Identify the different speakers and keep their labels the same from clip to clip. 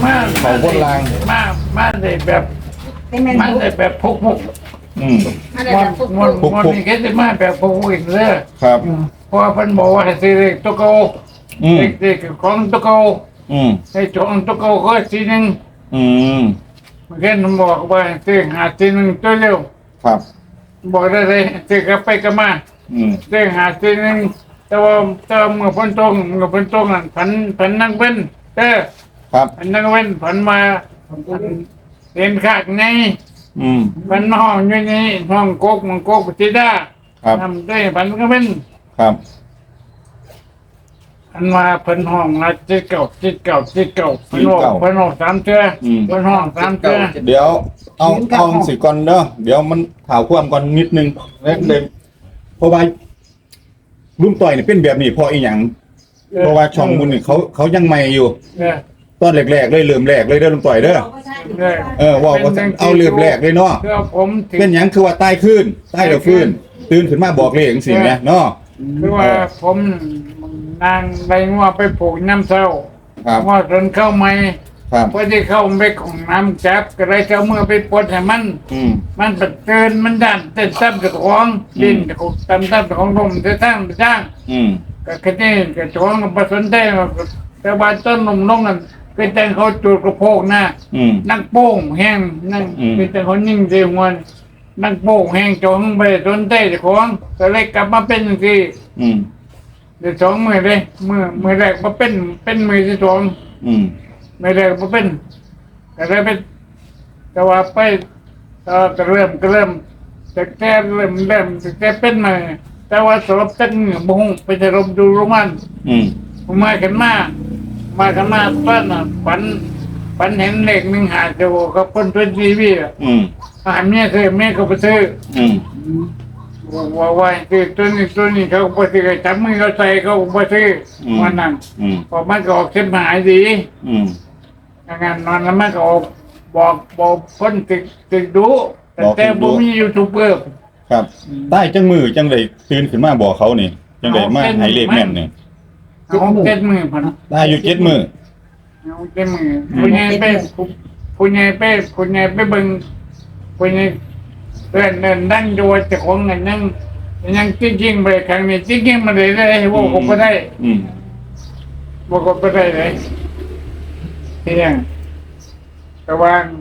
Speaker 1: มา
Speaker 2: เขาบนราง
Speaker 1: มาได้แบบมาได้แบบพุก
Speaker 2: ม
Speaker 1: มันนี่แค่จะมาแบบพุกอีกเลย
Speaker 2: ครับ
Speaker 1: เพราะเพิ่นบอกว่าให้ซื้อเลขตัวเก่าเลขของตัวเก่าให้จองตัวเก่าก็ทีนึงมันแค่ผมบอกว่าซื้อหาทีนึงตัวเร็ว
Speaker 2: ครับ
Speaker 1: บอกได้เลยซื้อกลับไปกลับมาซื้อหาทีนึงแต่ว่าเมื่อพ้นตรงนั่นผันนั่งเป็น
Speaker 2: ครับ
Speaker 1: ผันนั่งเป็นผันมาเรียนขาดไงผันห้องอยู่นี่ห้องโกกมันโกกจิด้าทำได้ผันก็เป็น
Speaker 2: ครับ
Speaker 1: อันมาเพิ่นห้องละจิตเก่าเพิ่นห้อง3เทื่อเพิ่นห้อง3เทื่อ
Speaker 2: เดี๋ยวเอาสิก่อนเด้อเดี๋ยวมันข่าวความก่อนนิดนึงแล้วเดิมเพราะว่าลุงต่อยนี่เป็นแบบนี้พออีหยังเพราะว่าช่องมูลนี่เขายังใหม่อยู่ตอนแรกๆเลยเริ่มแรกเลยเด้อลุงต่อยเด้อว่าเอาเริ่มแรกเลยเนาะเป็นหยังคือว่าใต้ขึ้นใต้แล้วฟื้นตื่นขึ้นมาบอกเลขจังซี่แหมเนาะ
Speaker 1: คือว่าผมนางไปงัวไปปลูกน้ำเศร้าว่าจนเข้าไม่พอที่เข้าไปของน้ำจับก็เลยเข้าเมื่อไปปลดให้มันปัดเตือนมันดันเต้นตั้มกับของดินกับตั้มของลมจะตั้งก็แค่นี้ก็จ้องกับสนใจแต่ว่าต้นนมน้องนั่นเป็นแต่เขาจูดกระโปงหน้านักโป้งแห้งนั่งเป็นแต่เขานิ่งเสียงวันนักโป้งแห้งจ้องไปสนใจของก็เลยกลับมาเป็นอย่างที่เดี๋ยว2 มือเลยมือแรกมาเป็นมือที่2มือแรกมาเป็นก็เลยเป็นแต่ว่าไปก็เริ่มจะแก้เริ่มจะแก้เป็นมาแต่ว่าสอบตั้งบุ้งไปจะรบดูโรมันผมมากันมาต้นฝันเห็นเลข1 5จะบอกกับคนตัวทีวีเมียเขาไปซื้อว่าคือตัวนี้เขาไปซื้อจับมือเขาใส่เขาไปซื้อวันนั้นพอมันก็ออกเส้นหายดีงานนอนแล้วมันก็บอกคนติดดูแต่บ่มียูทูบเบอร์
Speaker 2: ครับใต้จังมือจังเลยตื่นขึ้นมาบอกเขานี่จังเลยมาให้เลขแม่นนี่
Speaker 1: เอา7 มือพัน
Speaker 2: ได้อยู่7 มือ
Speaker 1: เอา7 มือผู้ใหญ่ไปเบิ่งผู้ใหญ่เดินดังดูจะของเงินยังจริงๆไปครั้งนี้จริงๆมาเลยว่าผมก็ได้บอกก็ได้เลยเที่ยงระวัง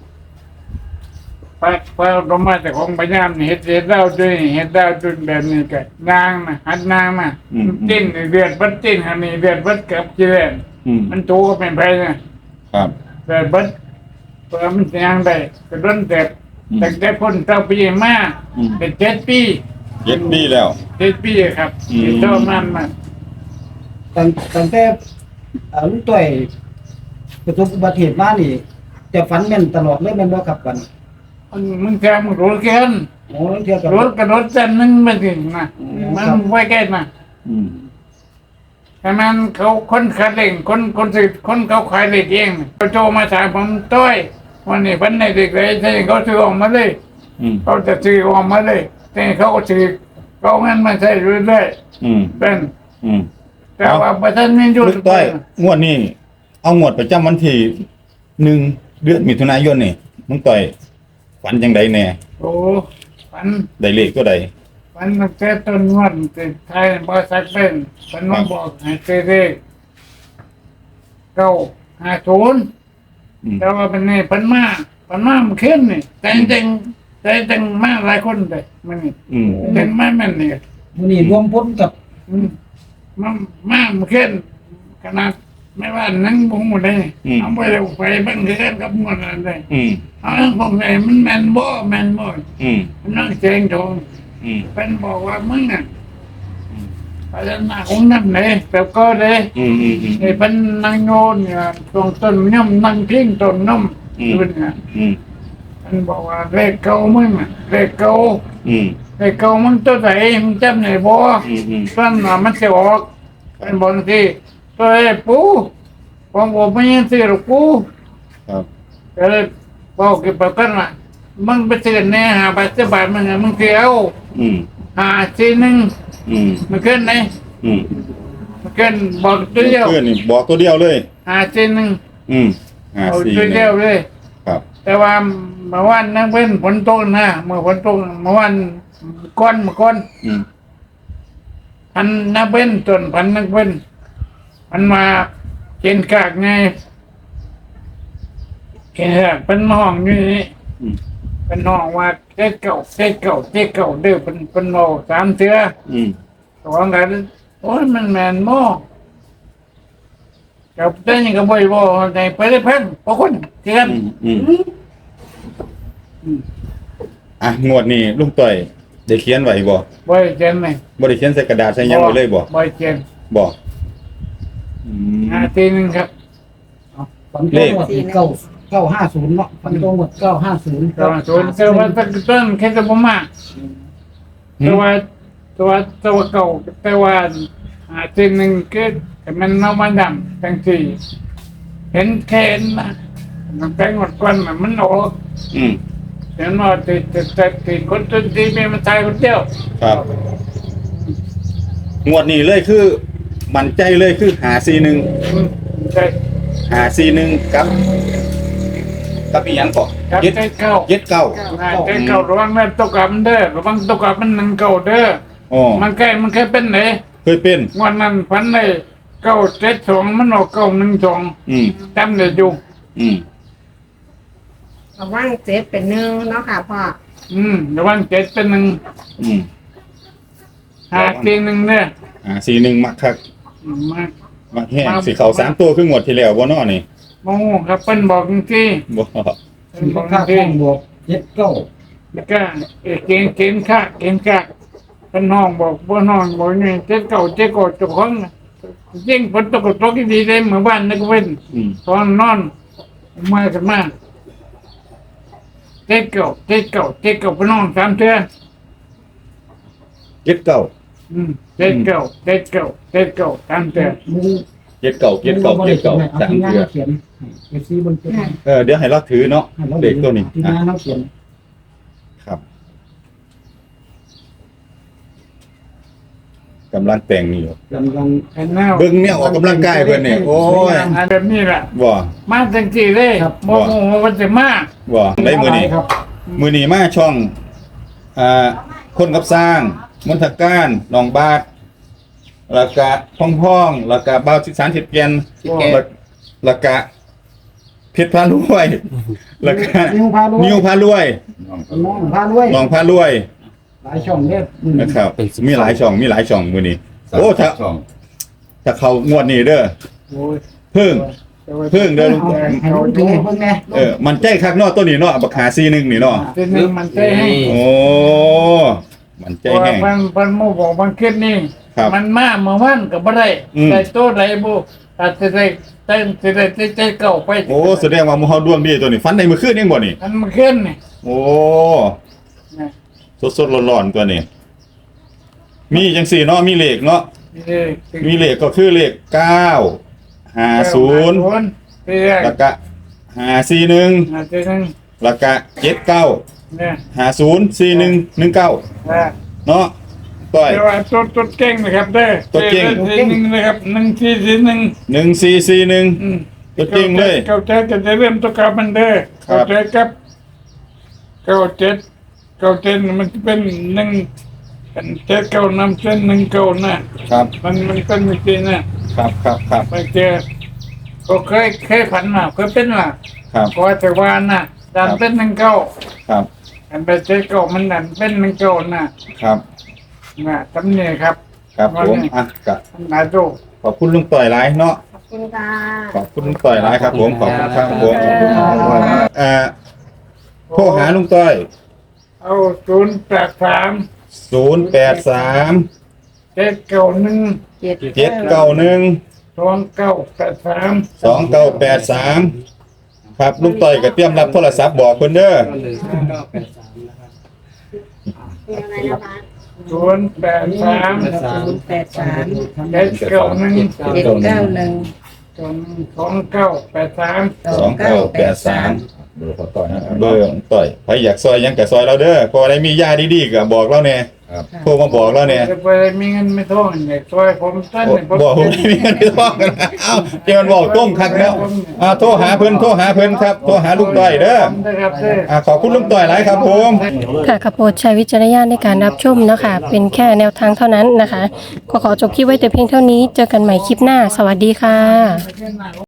Speaker 1: พอลงมาจากของพยายามเห็ดดาวด้วยเห็ดดาวด้วยแบบนี้กันนางนะหัดนางมาจิ้นเดือดบัดจิ้นฮันนี่เดือดบัดกับจีเรนมันโตก็เป็นไปนะครับเดือดบัดเพื่อมันยังได้กระโดดเด็ดแต่คนเจ้าปีมาเป็น7 ปี
Speaker 2: แล้ว
Speaker 1: 7 ปีครับเท่านั้นมา
Speaker 3: ตั้งแต่ลุงต้อยประสบอุบัติเหตุมานี่จะฝันแม่นตลอดเลยแม่นบ่ครับกัน
Speaker 1: มึงแกมึงรู้แค่นรถกระโดดจันนึงมาถึงนะมันไว้แก่นะแต่มันเขาคนขายเหล็กคนซื้อคนเขาขายเหล็กเองเขาโจมาถามผมต้อยวันนี้พันในเด็กเลยใช่เขาซื้อออกมาเลยเขาจะซื้อออกมาเลยแต่เขาก็ซื้อเขางั้นมาใช้เรื่อยๆเป็นแต่ว่าประเทศนี้ยุ่ง
Speaker 2: ต้อยงวดนี้เอางวดประจำวันที่1 เดือนมิถุนายนนี่มึงต่อยฝันจังใดแน่
Speaker 1: โอ้ฝัน
Speaker 2: ได้เลขตัวใด
Speaker 1: ฝันตั้งแต่ต้นวันติดไทยบริษัทเป็นฝันมาบอกให้ซื้อเลข950แต่ว่าเป็นนี่ฝันมามันขึ้นนี่แต่จังมาหลายคนเลยมันนี่จังมาแม่นนี่
Speaker 3: มื้อนี้รวมพ้นกับ
Speaker 1: มันขึ้นขนาดไม่ว่านั่งบุ้งหมดเลยเอาไปเร็วไปบังเกินกับหมดเลยเอาผมไงมันแมนบ่มันนั่งเจงทองเป็นบอกว่ามึงอ่ะพัฒนาของนั่นเลยแบบก็เลยไอ้เป็นนั่งโยนเนี่ยตรงต้นน้ำนั่งพิ้งต้นน้ำดูเนี่ยมันบอกว่าเลขเก่ามึงเลขเก่ามึงตัวไหนมึงจำไหนบ่ต้นมันจะออกเป็นบางทีตัวไอ้ปูผมไม่ยังซื้อหรอกปูก็เลยบอกกับประกันว่ามึงไปซื้อเนี่ย50 บาทมึงเสียว51มันขึ้นไหนมันขึ้นบอกตัวเดียว
Speaker 2: ขึ้นนี่บอกตัวเดียวเลย
Speaker 1: 51 เอา
Speaker 2: 4
Speaker 1: ตัวเดียวเลย
Speaker 2: ครับ
Speaker 1: แต่ว่าเมื่อวานนั่งเป็นฝนตกนะเมื่อฝนตกเมื่อวานก้อน
Speaker 2: อืม
Speaker 1: พันนักเป็นส่วนพันนักเป็นมันมาเกณฑ์กากไงเกณฑ์กากเป็นห้องอยู่นี่
Speaker 2: อืม
Speaker 1: เป็นห้องว่าเจ๊เก่าเด้อเป็นโมสามเสือ
Speaker 2: อืม
Speaker 1: ของกันโอ้ยมันแมนโม่กับเต้นยังกับบ่อยบ่ในไปได้เพิ่นพอคนเทียน
Speaker 2: อ่ะงวดนี้ลุงต่อยได้เขียนไว้บ่
Speaker 1: บ่อยเจนไหม
Speaker 2: บ่ได้เขียนใส่กระดาษใส่หยังไว้เลยบ่
Speaker 1: บ่อยเจน
Speaker 2: บ่อืม
Speaker 1: ทีหนึงครับ
Speaker 3: ฝันตรงหมด950เนาะฝันตรงหมด950
Speaker 1: ตอนส่วนแต่ว่าตั้งต้นแค่จะบ่มากแต่ว่าเก่าแต่ว่าทีหนึงคือมันเอามาดำทั้งสี่เห็นแค่นะมันแปลงหมดก่อนมันออก
Speaker 2: อืม
Speaker 1: เห็นว่าติดคนตีไม่มาตายคนเดียว
Speaker 2: ครับงวดนี้เลยคือมั่นใจเลยคือ541
Speaker 1: ใช่
Speaker 2: 541กับอีหยังก่อ
Speaker 1: ครับ
Speaker 2: เจ็ด
Speaker 1: ใจเก่า
Speaker 2: เจ็ดเก้า
Speaker 1: ใจเก่าระวังแม่ตกกับมันเด้อระวังตกกับมันหนึ่งเก่าเด้อ
Speaker 2: อ๋อ
Speaker 1: มันแค่เป็นไหน
Speaker 2: เคยเป็น
Speaker 1: วันนั้นพันเลย972มันออก912
Speaker 2: อืม
Speaker 1: จำได้อยู่
Speaker 2: อืม
Speaker 4: ระว่างเจ็ดเป็นหนึ่งเนาะค่ะพ่อ
Speaker 1: ระวังเจ็ดเป็นหนึ่ง
Speaker 2: อืม
Speaker 1: หาทีหนึ่งเนี่ย
Speaker 2: 41มักคัก
Speaker 1: มา
Speaker 2: มักแห้งสิเข้า3ตัวคืองวดที่แล้วบ่เนาะนี่
Speaker 1: โมครับเป็นบอกจริง
Speaker 2: บ่
Speaker 1: ๆเป็นบอก
Speaker 3: ค่า
Speaker 1: จริ
Speaker 3: ห้อง งบวก79
Speaker 1: แล้วก็เกณฑ์ค่าเป็นห้องบอกบนห้องบอกนี่เจ็ดเก่าเจ้าของยิ่งฝนตกดีเลยเหมือนบ้านนักเว้น
Speaker 2: อืม
Speaker 1: ตอนนอนมากันมาเจ็ดเก่าไปนอนสามเทื่อ
Speaker 2: เจ็ดเก้า
Speaker 1: เจ็ดเก่าสามเทื่อ
Speaker 3: มึง
Speaker 2: เจ็ดเก้าสามเทื่อ
Speaker 3: เขียนเอฟซีบนเขียน
Speaker 2: เดี๋ยวให้เราถือเนาะเด็กตัวนี้
Speaker 3: ที่งานเราเขียน
Speaker 2: ครับกำลังแต่งนี่อยู่
Speaker 3: กำลัง
Speaker 1: เห็นหน้า
Speaker 2: เบิ่งเนี่ยออกกำลังกายเพิ่นนี่โอ้ย
Speaker 1: อันแบบนี้แหละ
Speaker 2: บ่
Speaker 1: มาจังจีเลยโมมันจะมา
Speaker 2: บ่ได้มื้อนี้
Speaker 3: ครับ
Speaker 2: มื้อนี้มาช่องคนกับสร้างมนทการน้องบาทแล้วก็พ่องๆแล้วก็บ่าวสิสารสิบแก่นแล้วก็เพชรพารวยแล้วก็
Speaker 3: นิวพารวย
Speaker 2: นิวพารวย
Speaker 3: น้องพารวย
Speaker 2: น้องพารวย
Speaker 3: หลายช่องเนี่ย
Speaker 2: นะครับมีหลายช่องมื้อนี้โอ้ถ้าเข้างวดนี้เด้อ
Speaker 1: โอ้ย
Speaker 2: เพิ่งเด้อ
Speaker 3: ให้ลูกถือให้เพิ่งแน่
Speaker 2: มันใจคักเนาะตัวนี้เนาะบักหาซีหนึงนี่เนาะ
Speaker 1: ทีหนึ่งมันใจให้
Speaker 2: โอ้มันใจ
Speaker 1: เพราะ
Speaker 2: แห้ง
Speaker 1: มันโมบอกมันคิดนี่
Speaker 2: ครับ
Speaker 1: มันมาเมื่อวันก็บ่ได้
Speaker 2: อืม
Speaker 1: แต่ตัวไหนบุอาจจะได้ใจเก่าไป
Speaker 2: โอ้แสดงว่าหมู่เฮาดวงดีตัวนี้ฟันในมื้อคืนเองบ่นี่
Speaker 1: มันขึ้นนี่
Speaker 2: โอ้สดๆร้อนๆตัวนี้ มีจังซี่เนาะมีเลขเนาะมีเลขก็คือเลข9 50 แล้วก็541
Speaker 1: อาจจะนึง
Speaker 2: แล้วก็79
Speaker 1: เนี่ย
Speaker 2: 504119เนาะต้อย
Speaker 1: แต่ว่าตัวเก่งนะครับเด้อ
Speaker 2: ตัวเก่ง
Speaker 1: หนึ่งนะครับ1 4 1
Speaker 2: 1441ตัวจริงเลย
Speaker 1: เข้าใจจะเริ่มตัวกับมันเด้อ
Speaker 2: ครับ
Speaker 1: เข้าใจครับเก้าเจ็ดมันเป็นหนึ่งเป็นเจ็ดเก้านำเส้น1 9นะครับ มันเป็นไม่จริงนะครับ ไม่เจอก็เคยผันมาเคยเป็นล่ะ
Speaker 2: ครับ
Speaker 1: ก็แต่ว่าน่ะดันเป็น19
Speaker 2: ครับ
Speaker 1: อันไปเจ็ดเก้ามันดันเป็น19นะครับ จำเนี่ยครับ
Speaker 2: ครับผมก็
Speaker 1: นายโจ
Speaker 2: ขอบคุณลุงต่อยหลายเนาะ
Speaker 4: ขอบคุณค่ะ
Speaker 2: ขอบคุณลุงต่อยหลายครับผมขอบคุณครับผมโทรหาลุงต่อย
Speaker 1: เอา083
Speaker 2: 083
Speaker 1: 791
Speaker 2: 791
Speaker 1: 2983
Speaker 2: 2983ครับลุงต่อยก็เตรียมรับโทรศัพท์บอกเพิ่นเด้อ
Speaker 4: มีอะไรนะคะ
Speaker 1: 083
Speaker 4: 083
Speaker 1: 791
Speaker 4: 791
Speaker 1: 2983
Speaker 2: 2983
Speaker 5: เบอร์พอต่อยนะครับ
Speaker 2: เบอร์ต่อยใครอยากซอยหยังก็ซอยเราเด้อพออะไรมียาดีๆก็บอกเราแน่
Speaker 5: ครับ
Speaker 2: โทรมาบอกเราแน่
Speaker 1: ไปมีเงินไม่ท่องเนี่ยช่วยผมสั้นเนี่ยผม
Speaker 2: บอกผมไม่มีเงินทองกันเอ้าเดี๋ยวมันบอกต้มคักแล้วโทรหาเพิ่นครับโทรหาลุงต่อยเด้อ
Speaker 1: นะครับเด้อ
Speaker 2: ขอบคุณลุงต่อยหลายครับผม
Speaker 6: ค่ะกระโปรดใช้วิจารณญาณในการรับชมเนาะคะเป็นแค่แนวทางเท่านั้นนะคะก็ขอจบคลิปไว้แต่เพียงเท่านี้เจอกันใหม่คลิปหน้าสวัสดีค่ะ